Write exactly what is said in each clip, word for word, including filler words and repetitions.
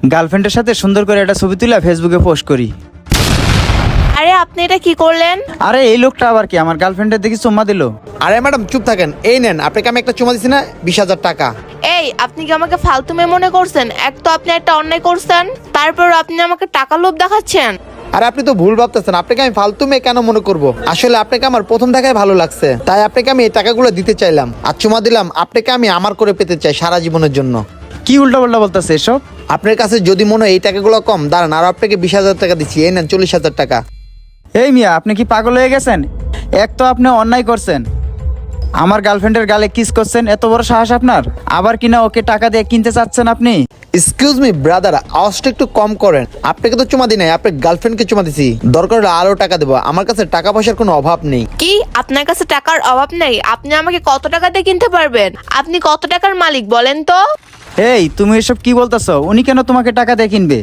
গার্লফ্রেন্ডের সাথে সুন্দর করে একটা ছবি তুলে ফেসবুকে পোস্ট করি। আরে আপনি এটা কি করলেন? আরে এই লোকটা আবার কি আমার গার্লফ্রেন্ডের দেখি চুম্মা দিল। আরে ম্যাডাম চুপ থাকেন, এই নেন আপনাকে আমি একটা চুমা দিছি না বিশ হাজার টাকা। এই আপনি কি আমাকে ফালতু মেয়ে মনে করছেন? এক তো আপনি একটা অন্যায় করছেন, তারপর আপনি আমাকে টাকা লোভ দেখাচ্ছেন। আরে আপনি তো ভুল ভাবতেছেন, আপনাকে আমি ফালতু মেয়ে কেন মনে করব? আসলে আপনাকে আমার প্রথম দেখায় ভালো লাগছে, তাই আপনাকে আমি এই টাকাগুলো দিতে চাইলাম আর চুমা দিলাম। আপনাকে আমি আমার করে পেতে চাই সারা জীবনের জন্য। কি উল্টা পাল্টা বলতেছে এসব? আপনার কাছে যদি মনে হয় এই টাকাগুলো কম, দাঁড়ান আর আপনাকে বিশ হাজার টাকা দিচ্ছি, এই নেন চল্লিশ হাজার টাকা। এই মিয়া, আপনি কি পাগল হয়ে গেছেন? এক তো আপনি অন্যায় করছেন, আমার গার্লফ্রেন্ডের গালে কিস করছেন, এত বড় সাহস আপনার। আবার কিনা ওকে টাকা দিয়ে কিনতে চাচ্ছেন আপনি। এক্সকিউজ মি ব্রাদার, আওয়াজটা একটু কম করেন। আপনাকে তো চুমা দিই নাই, আপনার গার্লফ্রেন্ডকে চুমা দিছি। দরকার হলে আরো টাকা দেবো, আমার কাছে টাকা পয়সার কোনো অভাব নেই। কি আপনার কাছে টাকার অভাব নেই? আপনি আমাকে কত টাকা দিয়ে কিনতে পারবেন? আপনি কত টাকার মালিক বলেন তো? এই তুমি এসব কি বলতেছো? উনি কেন তোমাকে টাকা দিয়ে কিনবে?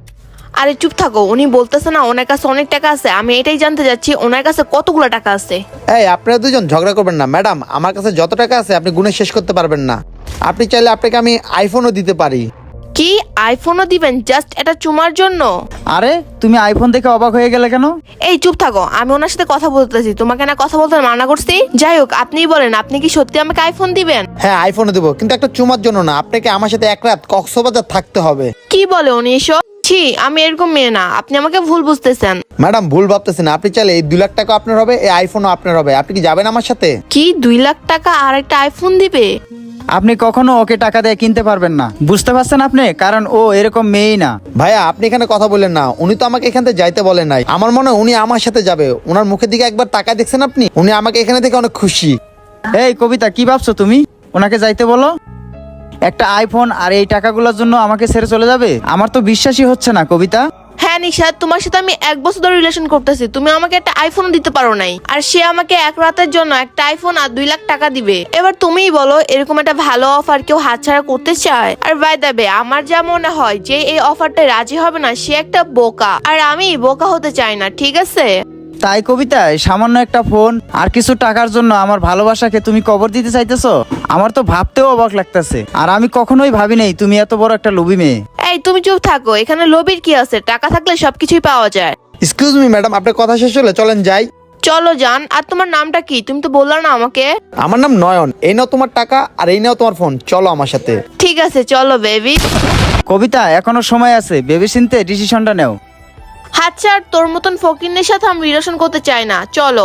আরে চুপ থাকো, উনি বলতেছে না ওনার কাছে অনেক টাকা আছে। আমি এটাই জানতে যাচ্ছি ওনার কাছে কতগুলো টাকা আছে। এই আপনারা দুজন ঝগড়া করবেন না ম্যাডাম, আমার কাছে যত টাকা আছে আপনি গুণে শেষ করতে পারবেন না। আপনি চাইলে আপনাকে আমি আইফোনও দিতে পারি। কি আইফোনও দিবেন জাস্ট এটা চুমার জন্য? আরে তুমি আইফোন দেখে অবাক হয়ে গেলে কেন? এই চুপ থাকো, আমি ওনার সাথে কথা বলতেছি, তোমাকে না কথা বলতে মানা করছি। যাই হোক আপনিই বলেন, আপনি কি সত্যি আমাকে আইফোন দিবেন? হ্যাঁ আইফোনও দেবো, কিন্তু একটা চুমার জন্য না, আপনাকে আমার সাথে এক রাত কক্সবাজার থাকতে হবে। কি বলে উনি এসব? ছি, আমি এরকম মেয়ে না, আপনি আমাকে ভুল বুঝতেছেন। ম্যাডাম ভুল ভাবতেছেন, আপনি চাইলে এই দুই লাখ টাকা আপনার হবে, এই আইফোনও আপনার হবে। আপনি কি যাবেন আমার সাথে? কি দুই লাখ টাকা আর একটা আইফোন দিবে? আপনি কখনো ওকে টাকা দিয়ে কিনতে পারবেন না, বুঝতে পারছেন আপনি? কারণ ও এরকম মেয়েই না। ভাইয়া আপনি এখানে কথা বলেন না, উনি তো আমাকে এখান থেকে যাইতে বলেন নাই। আমার মনে হয় উনি আমার সাথে যাবে। ওনার মুখের দিকে একবার তাকায় দেখছেন আপনি? উনি আমাকে এখানে থেকে অনেক খুশি। এই কবিতা, কি ভাবছো তুমি? ওনাকে যাইতে বলো। একটা আইফোন আর এই টাকাগুলোর জন্য আমাকে ছেড়ে চলে যাবে? আমার তো বিশ্বাসই হচ্ছে না কবিতা। হ্যাঁ নিশাদ, তোমার সাথে আমি এক বছর ধরে রিলেশন করতেছি, তুমি আমাকে একটা আইফোন দিতে পারো নাই, আর সে আমাকে এক রাতের জন্য একটা আইফোন আর দুই লাখ টাকা দিবে। এবার তুমিই বলো, এরকম একটা ভালো অফার কেউ হাতছাড়া করতে চায়? আর বাই দ্য ওয়ে, আমার যা মনে হয় যে এই অফারটা রাজি হবে না সে একটা বোকা, আর আমি বোকা হতে চাই না, ঠিক আছে? তাই কবিতা, এই সামান্য একটা ফোন আর কিছু টাকার জন্য আমার ভালোবাসাকে তুমি কবর দিতে চাইতেছো? আমার তো ভাবতেও অবাক লাগতেছে। আর আমি কখনোই ভাবি নাই তুমি এত বড় একটা লোভী মেয়ে। এই তুমি চুপ থাকো, এখানে লোভীর কি আছে? টাকা থাকলে সবকিছুই পাওয়া যায়। এক্সকিউজ মি ম্যাডাম, আপনার কথা শেষ হলে চলেন যাই। চলো যান। আর তোমার নামটা কি? তুমি তো বললা না আমাকে। আমার নাম নয়ন। এই নাও তোমার টাকা আর এই নাও তোমার ফোন, চলো আমার সাথে। ঠিক আছে চলো বেবি। কবিতা, এখনো সময় আছে, ভেবে চিন্তে ডিসিশনটা নেও। আচ্ছা, আর তোর মতন ফকিরনের সাথে আমি রিলেশন করতে চাই না, চলো।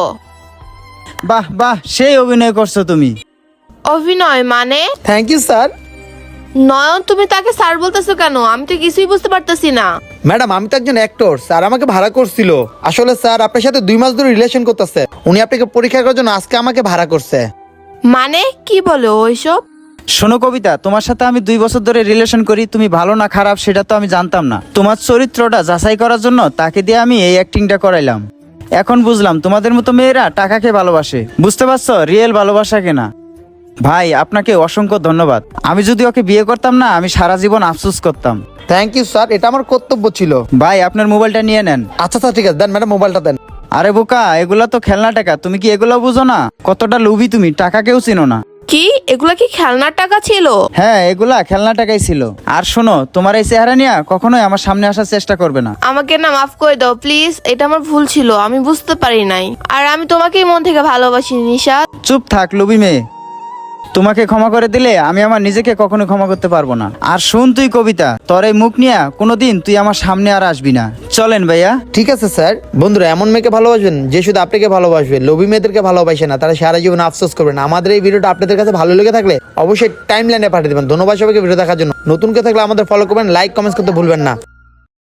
বাহ বাহ, সেই অভিনয় করছো তুমি। অভিনয় মানে? Thank you sir. নয়ন, তুমি তাকে স্যার বলতেছো কেন? আমি তো কিছুই বুঝতে পারতেছি না। ম্যাডাম আমি তো একজন অ্যাক্টর, স্যার আমাকে ভাড়া করছিল। আসলে স্যার আপনার সাথে দুই মাস ধরে রিলেশন করতেছে, উনি আপনাকে পরীক্ষা করার জন্য আজকে আমাকে ভাড়া করছে। মানে কি বলো ওইসব? শোনো কবিতা, তোমার সাথে আমি দুই বছর ধরে রিলেশন করি, তুমি ভালো না খারাপ সেটা তো আমি জানতাম না। তোমার চরিত্রটা যাচাই করার জন্য তাকে দিয়ে আমি এই অ্যাক্টিংটা করাইলাম। এখন বুঝলাম তোমাদের মতো মেয়েরা টাকাকে ভালোবাসে, বুঝতে পারছো? রিয়েল ভালোবাসা কেনা। ভাই আপনাকে অসংখ্য ধন্যবাদ। আমি যদি ওকে বিয়ে করতাম না, আমি সারা জীবন আফসোস করতাম। থ্যাংক ইউ স্যার, এটা আমার কর্তব্য ছিল। ভাই আপনার মোবাইলটা নিয়ে নেন। আচ্ছা স্যার ঠিক আছে, দেন ম্যাডাম মোবাইলটা দেন। আরে বোকা, এগুলা তো খেলনা টাকা, তুমি কি এগুলো বুঝো না? কতটা লোভী তুমি, টাকাকেও চিনো না। কি এগুলা কি খেলনার টাকা ছিল? হ্যাঁ, এগুলা খেলনা টাকাই ছিল। আর শোনো, তোমার এই চেহারা নিয়ে কখনোই আমার সামনে আসার চেষ্টা করবে না। আমাকে না মাফ করে দাও প্লিজ, এটা আমার ভুল ছিল, আমি বুঝতে পারি নাই। আর আমি তোমাকেই মন থেকে ভালোবাসি নিশাদ। চুপ থাক লোভী মেয়ে, তোমাকে ক্ষমা করে দিলে আমি আমার নিজেকে কখনো ক্ষমা করতে পারবো না। আর শুন তুই কবিতা, তোর এই মুখ নিয়ে কোনোদিন তুই আমার সামনে আর আসবি না। চলেন ভাইয়া। ঠিক আছে স্যার। বন্ধুরা, এমন মেয়েকে ভালোবাসবেন যে শুধু আপনাকে ভালোবাসবে, লোভী মেয়েদেরকে ভালোবাসে না, তারা সারা জীবন আফসোস করবেন। আমাদের এই ভিডিওটা আপনাদের কাছে ভালো লেগে থাকলে অবশ্যই টাইম লাইনে পাঠিয়ে দেবেন। ধন্যবাদ সবাইকে ভিডিও দেখার জন্য। নতুন কেউ থাকলে আমাদের ফলো করবেন, লাইক কমেন্টস করতে ভুলবেন না।